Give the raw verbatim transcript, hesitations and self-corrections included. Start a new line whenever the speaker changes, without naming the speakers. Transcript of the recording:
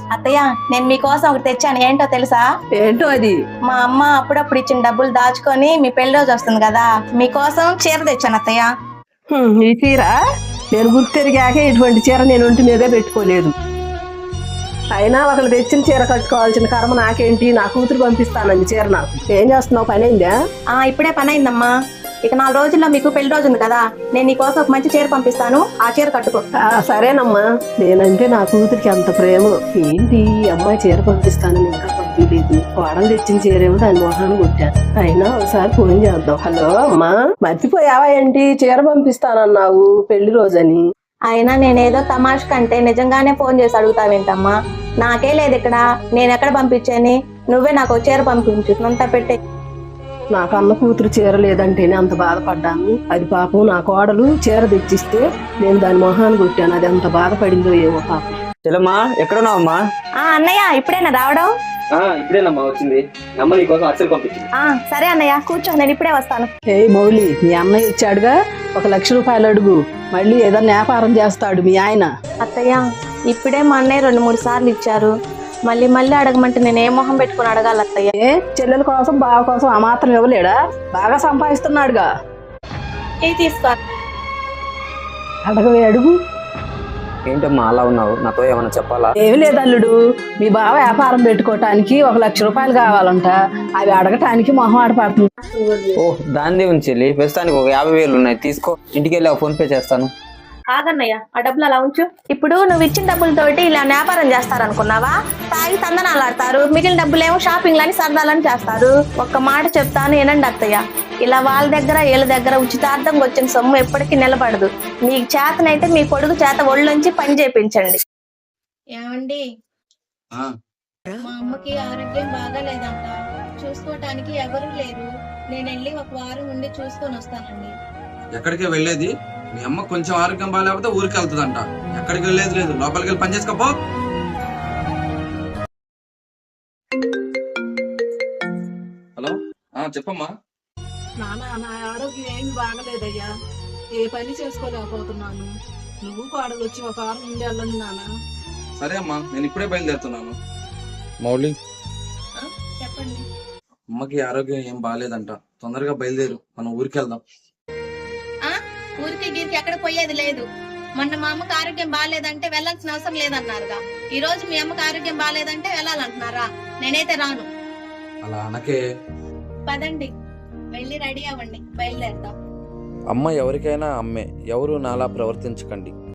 అత్తయ్య, నేను మీకోసం ఒకటి తెచ్చాను. ఏంటో తెలుసా?
ఏంటో అది?
మా అమ్మ అప్పుడప్పుడు ఇచ్చిన డబ్బులు దాచుకొని మీ పెళ్లి రోజు వస్తుంది కదా, మీకోసం చీర తెచ్చాను అత్తయ్య.
హ్మ్, ఈ చీర నేను గుర్తెరిగాక ఇటువంటి చీర నేను ఒంటి మీదే పెట్టుకోలేదు. అయినా ఒకళ్ళు తెచ్చిన చీర కట్టుకోవాల్సిన కర్మ నాకేంటి? నా కూతురు పంపిస్తానండి చీర. నాకు ఏం చేస్తున్నావు? పని అయిందా?
ఆ ఇప్పుడే పని అయిందమ్మా. ఇక నాలుగు రోజుల్లో మీకు పెళ్లి రోజు ఉంది కదా, నేను నీకోసం ఒక మంచి చీర పంపిస్తాను, ఆ చీర కట్టుకో.
ఆ, సరేనమ్మా. నేనంటే నా కూతురికి అంత ప్రేమ. ఏంటి ఈ అమ్మాయి చీర పంపిస్తానని ఇంకా పంపించలేదు? కోడలు తెచ్చిన చీరేమో దాని మొహాన్ని కొట్టాను. అయినా ఒకసారి ఫోన్ చేద్దాం. హలో అమ్మా, మర్చిపోయావా ఏంటి? చీర పంపిస్తానన్నావు పెళ్లి రోజని.
అయినా నేనేదో తమాష్ కంటే నిజంగానే ఫోన్ చేసి అడుగుతావేంటమ్మా? నాకే లేదు ఇక్కడ, నేను ఎక్కడ పంపించాని? నువ్వే నాకు చీర పంపించు, అంతా పెట్టే.
నాకు అన్న కూతురు చీర లేదంటేనే అంత బాధపడ్డాను. అది పాపం నా కోడలు చీర తెచ్చిస్తే నేను దాని మొహాన్ని కొట్టాను. అది ఎంత బాధపడిందో ఏమో పాపం.
చెల్లమ్మా, ఎక్కడున్నావమ్మా?
ఆ అన్నయ్య, ఇప్పుడేనా రావడం?
ఇప్పుడేనమ్మా వచ్చింది. అమ్మ నీకోసం అచ్చలు పంపించింది.
ఆ సరే అన్నయ్య, కూర్చో, నేను ఇప్పుడే వస్తాను.
ఏ మౌలి, మీ అన్నయ్య వచ్చాడుగా, ఒక లక్ష రూపాయలు అడుగు. మళ్ళీ ఏదన్నా వ్యాపారం చేస్తాడు మీ ఆయన.
అత్తయ్య, ఇప్పుడే మా అన్నయ్య రెండు మూడు సార్లు ఇచ్చారు, మళ్ళీ మళ్ళీ అడగమంటే నేను ఏ మొహం పెట్టుకుని అడగాలి అత్తయ్య?
ఏ చెల్లెల కోసం బావ కోసం ఆ మాత్రం ఇవ్వలేడా? బాగా సంపాదిస్తున్నాడుగా.
ఏ తీసుకో.
అడగవే, అడుగు.
ఏంటమ్మా అలా ఉన్నావు? నాతో ఏమన్నా చెప్పాలా?
ఏమి లేదు అల్లుడు, మీ బావ వ్యాపారం పెట్టుకోవటానికి ఒక లక్ష రూపాయలు కావాలంట. అవి అడగటానికి మొహం ఆడపడుతుంది.
ఓ దాని ఉంది చెల్లి, ప్రస్తుతానికి ఒక యాభై వేలు ఉన్నాయి, తీసుకో. ఇంటికి వెళ్ళి ఫోన్ పే చేస్తాను.
ఆగన్నయ్య, ఆ డబ్బులు అలా ఉంచు. ఇప్పుడు నువ్వు ఇచ్చిన డబ్బులతోటి ఇలా వ్యాపారం చేస్తారనుకున్నావా? తాగి తందనాలు ఆడతారు, మిగిలిన డబ్బులేమో షాపింగ్ లని సరదాలని చేస్తారు. ఒక్క మాట చెప్తాను ఏనండి అత్తయ్య, ఇలా వాళ్ళ దగ్గర వీళ్ళ దగ్గర ఉచితార్థంగా వచ్చిన సొమ్ము ఎప్పటికీ నిలబడదు. మీకు చేతనైతే మీ కొడుకు చేత ఒళ్ళొంచి పని చేయించండి. ఏమండి, మా అమ్మకి ఆరోగ్యం బాగాలేదంట, చూసుకోవటానికి ఎవరు లేరు. నేను వెళ్ళి ఒక వారం ఉండి చూసుకొని వస్తానండి.
ఎక్కడికి వెళ్ళేది? మీ అమ్మ కొంచెం ఆరోగ్యం బాగాలేకపోతే ఊరికి వెళ్తుందంట. ఎక్కడికి వెళ్ళేది లేదు, లోపలికి వెళ్ళి పని చేసుకోపో. హలో, చెప్పమ్మా.
నానా, నా ఆరోగ్యం ఏమి బాగలేదయ్యా, ఏ పని చేసుకోలేకపోతున్నాను. నువ్వు కోడలు వచ్చి ఒక వారం నుండి వెళ్ళండి నానా.
సరే అమ్మా, నేను ఇప్పుడే బయలుదేరుతున్నాను.
మౌలి,
చెప్పండి.
అమ్మకి ఆరోగ్యం ఏం బాగాలేదంట, తొందరగా బయలుదేరు, మనం ఊరికి వెళ్దాం.
ఊరికి గీరికి ఎక్కడ పోయేది లేదు. మొన్న మా అమ్మకి ఆరోగ్యం బాగాలేదంటే వెళ్లాల్సిన అవసరం లేదన్నారుగా, ఈ రోజు మీ అమ్మకి ఆరోగ్యం బాగాలేదంటే వెళ్ళాలంటున్నారా? నేనైతే రాను.
అలా అనకే.
పదండి, వెళ్ళి రెడీ అవ్వండి, బయలుదేరుతాం.
అమ్మ ఎవరికైనా అమ్మే, ఎవరు నాలా ప్రవర్తించకండి.